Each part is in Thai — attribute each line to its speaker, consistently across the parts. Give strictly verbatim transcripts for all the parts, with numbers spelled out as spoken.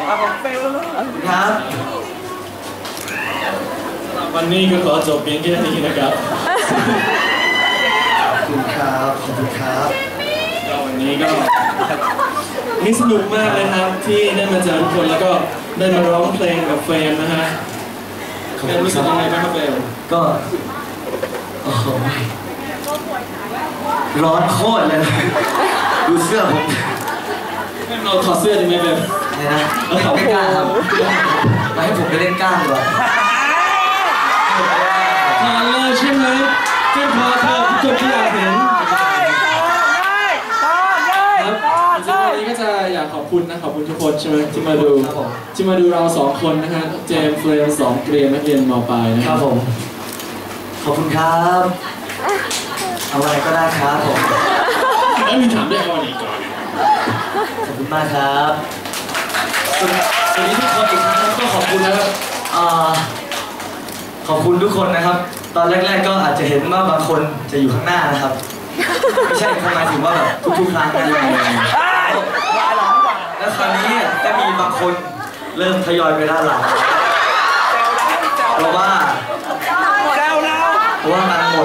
Speaker 1: ครับ
Speaker 2: วันนี้ก็ขอจบเพียงแค่นี้นะครับ
Speaker 1: ขอบคุณครับขอบคุณครับ
Speaker 2: ก็วันนี้ก็นี่สนุกมากเลยครับที่ได้มาเจอทุกคนแล้วก็ได้มาร้องเพลงกับเฟรมนะฮะเฟรมรู้สึกยังไงบ้างครับเฟรม
Speaker 1: ก็โอ้โหร้อนโคตรเลยดูเสื้อผม
Speaker 2: เราถอดเสื้อดีไหมเฟรม
Speaker 1: ไม่นะไม่กล้าครับมาให้ผมไปเล่นกล้ามก่อน
Speaker 2: ถอดเลยใช่ไหมเจ้าพอเธอทุกคนที่อยากเห็นวันนี้ก็จะอยากขอบคุณนะขอบคุณทุกคนใช่ไหมที่มาดูที่มาดูเราสองคนนะฮะเจมส์เฟรมสองเกรียนนักเรียนม.ปลายนะครับ
Speaker 1: ผมขอบคุณครับเอาอะไรก็ได้ครับผม
Speaker 2: แล้วมีถามด้วยเอาอะไรก่อน
Speaker 1: ขอบคุณมากครับวันนี้ทุกคนอีกครั้งก็ขอบคุณนะครับขอบคุณทุกคนนะครับตอนแรกๆก็อาจจะเห็นว่าบางคนจะอยู่ข้างหน้านะครับไม่ใช่หมายถึงว่าแบบทุกๆครั้งนะแล้วคราวนี้จะมีบางคนเริ่มทยอยไปด้านหลังเพราะว่าเพราะว่ามันหมด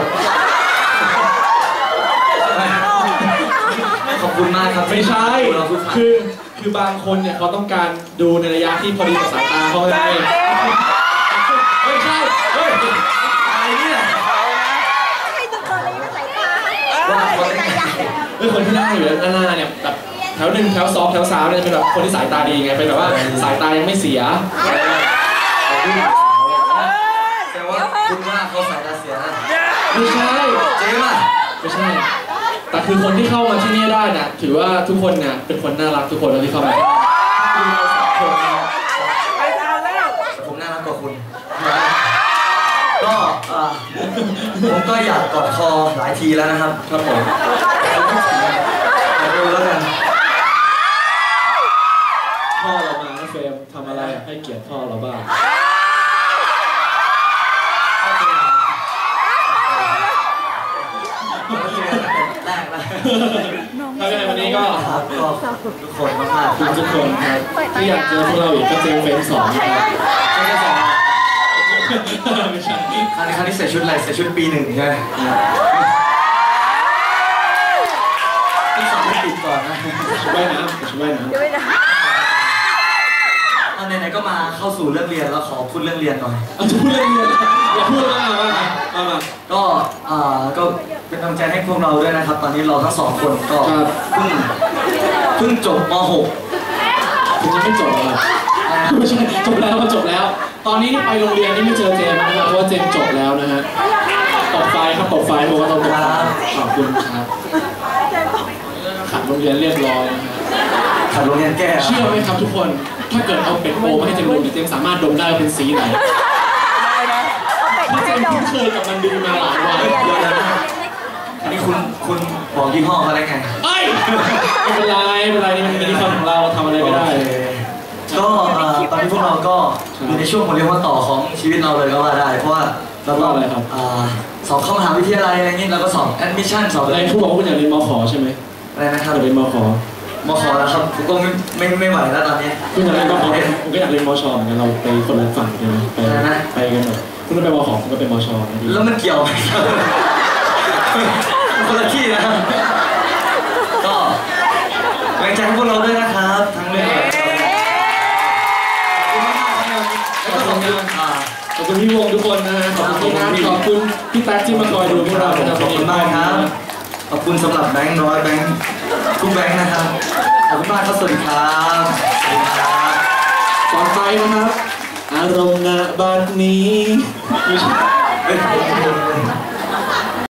Speaker 1: ขอบคุณมากครับ
Speaker 2: ไม่ใช่คือคือบางคนเนี่ยเขาต้องการดูในระยะที่พอดีกับสายตาเขาไงไม่ใช่เฮ้ย
Speaker 1: อะไรเนี่ย
Speaker 3: ให้ดูตัวนี้นะสายตา
Speaker 2: เฮ้ยคนที่นั่งอยู่ด้านหน้าเนี่ยแบบแถวหนึ่งแถวสองแถวสามเนี่ยเป็นแบบคนที่สายตาดีไงเป็นแบบว่าสายตายังไม่เสีย
Speaker 1: แต่ว่าคุณว่าเขาสายตาเสียนะ
Speaker 2: ไม่ใช่
Speaker 1: เจ๊ป่ะ
Speaker 2: ไม่ใช่แต่คือคนที่เข้ามาที่นี่ได้นะถือว่าทุกคนเนี่ยเป็นคนน่ารักทุกคนที่เข้ามา
Speaker 1: ผมน่ารักกว่าคุณก็ผมก็อยากกอดคอหลายทีแล้วนะครับ
Speaker 2: ครับผม
Speaker 1: ดูแล้วกัน
Speaker 2: พ่อเรามานะเฟรมทำอะไรให้เกียรติพ่อเราบ้าง
Speaker 1: แรกนะ
Speaker 2: ถ้าเป็นวันนี้ก็
Speaker 1: ทุกคนมากๆ
Speaker 2: ทุกคนครับที่อยากเจอพวกเราอีกก็เจอเฟรมสองนะครับ
Speaker 1: ไม่ใช่สองไม่ใช่ครั้งนี้ครั้งนี้ใส่ชุดอะไรใส่ชุดปีหนึ่งใช่ไหมที่สองไม่ติดก่อนนะ
Speaker 2: ชุดว่ายน้ำชุดว่ายน้ำ
Speaker 1: ตอนไหนๆก็มาเข้าสู่เรื่องเรียนแล้วขอพูดเรื่องเรียนหน่อย
Speaker 2: จะพูดเรื่องเรียนอย่าพูดมากมากมาก
Speaker 1: ก็อ่าก็เป็นกำลังใจให้พวกเราด้วยนะครับตอนนี้เราทั้งสองคนก็เพิ่งเพิ่งจบม หก
Speaker 2: คุณจะไม่จบเหรอไม่ใช่จบแล้วก็จบแล้วตอนนี้ไปโรงเรียนนี่ไม่เจอเจมนะครับเพราะว่าเจมจบแล้วนะฮะตบไฟครับตบไฟเพราะว่าต้องตบไฟขอบคุณครับขัดโรงเรียนเรียบร้อยนะฮะ
Speaker 1: ขัดโรงเรียนแก้
Speaker 2: เชื่อไหมครับทุกคนถ้าเกิดเอาเป็ดโปมาให้เจมดมเจมสามารถดมได้เป็นสีไหนเพราะเจมคุ้นเคยกับมันดีมาหลายวัน
Speaker 1: อันนี้คุณคุณบอกยี่ห้ออะไรไง
Speaker 2: เอ้ยไม่เป็นไรไม่เป็นไรนี่มันเป็นที่ของเราทำอะไรไม่ได้
Speaker 1: ก็ตอนนี้พวกเราก็อยู่ในช่วงผมเรียกว่าต่อของชีวิตเราเลยก็ว่าได้เพราะว่าเราต้องสอบเข้ามหาวิทยาลัยอะไรเงี้ยเราก็สอบแอดมิชชั่นสอบ
Speaker 2: อะไรคุณบอกว่าคุณอยากเรียนม.ข.ใช่ไหม
Speaker 1: อะไรนะครับ
Speaker 2: อยากเรียนม.ข.
Speaker 1: ม.ข.แล้วครับผมก็ไม่ไม่ไม่ไหวแล้วตอนนี้
Speaker 2: คุณอยากเรียนม.ข.ผมก็อยากเรียนม.ช.เหมือนกันเราไปคนละฝั่งกันไปไปกันแบบคุณไปม.ข.ผมก็ไปม.ช.
Speaker 1: แล้วมันเกี่ยวไหมคนละที่นะครับก็แรงใจให้พวกเราด้วยนะครับทั้งเรื่อง
Speaker 2: ขอบคุณขอบคุณพี่วงทุกคนนะขอบคุณนะขอบคุณพี่แท็กที่มาคอยดูพวกเรา
Speaker 1: ขอบคุณมากครับขอบคุณสำหรับแบงค์น้อยแบงค์ทุกแบงค์นะครับขอบคุณมากครับสวัสดีครับสวัสดีครับ
Speaker 2: ต่อไปนะครับอารมณ์ณบัดนี้